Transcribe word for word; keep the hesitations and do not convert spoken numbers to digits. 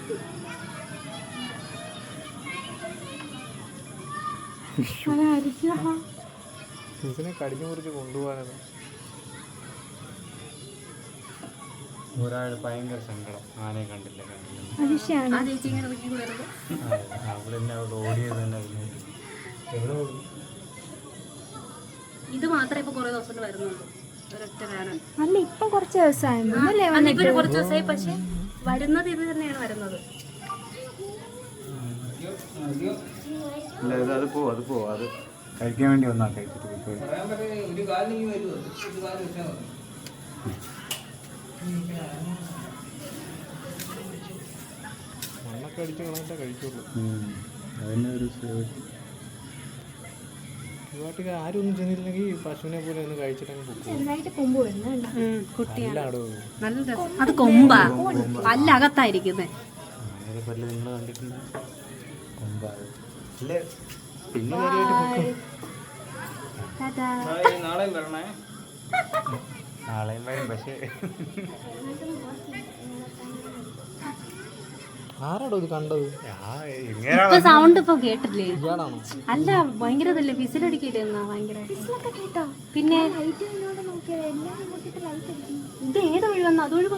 ഇതിനെ കടിഞ്ഞു മുറിച്ച് കൊണ്ടുപോകാനാണ്. ഒരാൾ ഭയങ്കര സങ്കടം, ആനയെ കണ്ടില്ല കണ്ടില്ല. അവിടെ തന്നെ അവിടെ ഓടിയത് തന്നെ. എവിടെ ഓടി? ഇത് മാത്രമേ ഇപ്പൊ കുറെ ദിവസം വരുന്നുള്ളൂ. അല്ല ഇപ്പൊ കുറച്ച് ദിവസമായി കുറച്ച് ദിവസമായി, പക്ഷെ വരുന്നത് ഇത് തന്നെയാണ് വരുന്നത്. അത് പോവും അത് പോവും അത് കഴിക്കാൻ വേണ്ടി വന്നാ കഴിച്ചിട്ട് മണ്ണൊക്കെ അടിച്ച് കളഞ്ഞിട്ടേ കഴിക്കുള്ളൂ. അതിൻ്റെ ഒരു നാട്ടിൽ ആരും ഒന്നും ചെന്നില്ലെങ്കിൽ പശുവിനെ പോലെ ഒന്ന് കഴിച്ചിട്ടങ്ങ് അത് കൊമ്പാ, പല്ല അകത്തായിരിക്കുന്നേ. പല്ല് നിങ്ങൾ കണ്ടിട്ടുണ്ട്? കൊമ്പാ അല്ലേ? പിന്നെ നാളെയും വരണേ. നാളെയും വരും. പക്ഷേ ആരാടോ ഇത് കണ്ടത്? സൗണ്ട് ഇപ്പൊ കേട്ടില്ലേ? ഇയാളാണോ? അല്ല, ഭയങ്കര ഇതല്ലേ, വിസിലടിക്കില്ലേ എന്നാ ഭയങ്കര. പിന്നെ ഇത് ഏത് ഒഴിവെന്നാ? അത് ഒഴിവ്